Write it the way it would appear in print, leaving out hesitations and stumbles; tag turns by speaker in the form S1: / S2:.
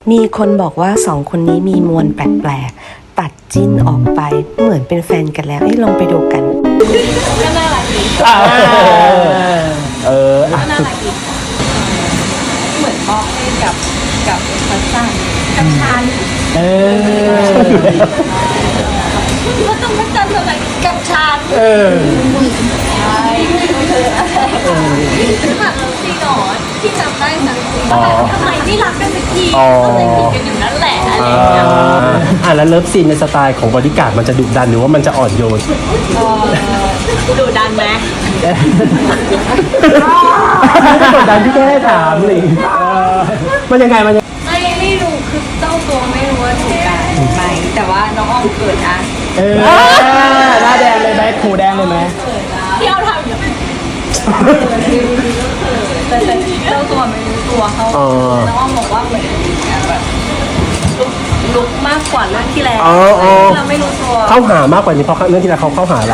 S1: มีคนบอกว่าสองคนนี้มีมวลแปลกๆตัดจิ้นออกไปเหมือนเป็นแฟนกันแล้วลองไปดูกัน
S2: ก็น่ารักดีก็น่ารักดีเหมือนมอบให้กับพัชชันกับชันก็ต้องพัชชันอะไรกับชันใช่คือแบบพี่หนอที่จำได้สักทีทำไมไม่รักกันสักทีก็เลยผิดกันอยู่นั่นแหละอะไรอย่างเงี้ย
S3: แล้วเลิฟซีนในสไตล์ของบอดี้การ์ดมันจะดุดันหรือว่ามันจะอ่อนโยน
S2: ดุดันไหม
S3: กดดันที่แค่ถามเลยมันยังไง
S2: ไม่รู้คือเจ้าตัวไม่รู้ว่าถูกกันไหมแต่ว่าน้องอ้อมเกิดนะ
S3: หน้าแดงเลยไหมหูแดงเลยไหม
S2: ที่เอาทำอยู่แต่เจ้าตัวไม่รู้ตัวเขาน้องอ้อมบอกว่าเหมือนแบบลุกมากกว่าเรื่องที่แล้วเราไม่รู้ตัว
S3: เข้าหามากกว่านี้เพราะเรื่องที่แล้วเขาเข้าหาเรา